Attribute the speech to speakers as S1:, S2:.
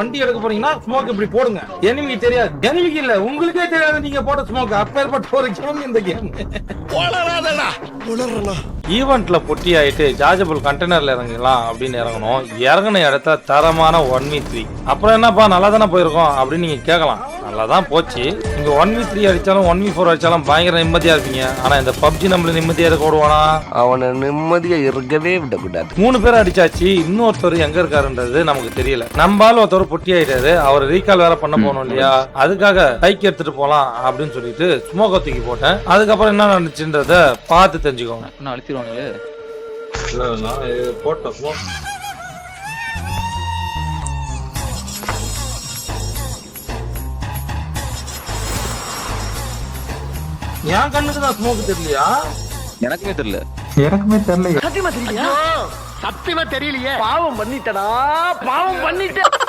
S1: வண்டி எடுக்க போறீங்கன்னா ஸ்மோக் இப்படி போடுங்க. எனிமிக்கு தெரியாது, எனிமிக்கு இல்ல உங்களுக்கே தெரியாது நீங்க போட்ட ஸ்மோக். அப்பேற்பட்ட ஒரு கேம் இந்த கேம். ஈவென்ட்ல பொட்டி ஆயிட்டு சார்ஜபிள் கண்டெய்னர்ல இறங்கலாம் அப்படின்னு இறங்கணும். இறங்கின இடத்த தரமான 1v3. அப்புறம் என்னப்பா நல்லா தானே போயிருக்கோம் அப்படின்னு நீங்க கேட்கலாம். நல்லா தான் போச்சு. நீங்க 1v3 அடிச்சாலும் 1v4 அடிச்சாலும் பயங்கர நிம்மதியா இருப்பீங்க. ஆனா இந்த பப்ஜி நம்மள நிம்மதியா இருக்க விடுவானா?
S2: அவனை நிம்மதியா இருக்கவே விடக்கூடாது.
S1: 3 பேர் அடிச்சாச்சு. இன்னொருத்தர் எங்க இருக்காருன்றது நமக்கு தெரியல. நம்பால ஒருத்தர் பொட்டி ஆயிட்டாரு. அவர் ரீகால் வேற பண்ண போனோம் இல்லையா, அதுக்காக பைக் எடுத்துட்டு போலாம் அப்படின்னு சொல்லிட்டு ஸ்மோக் தூக்கி போட்டேன். அதுக்கப்புறம் என்ன நடந்துச்சுன்றத பார்த்து தெரிஞ்சுக்கோங்க.
S3: நான் அழுத்திடுவாங்களே.
S1: போட்ட ஸ்மோக் என் கண்ணுக்கு தான் ஸ்மோக் தெரியலையா?
S3: எனக்குமே தெரியல.
S4: சத்தியமா தெரியலையே. பாவம் பண்ணிட்டடா, பாவம் பண்ணிட்ட.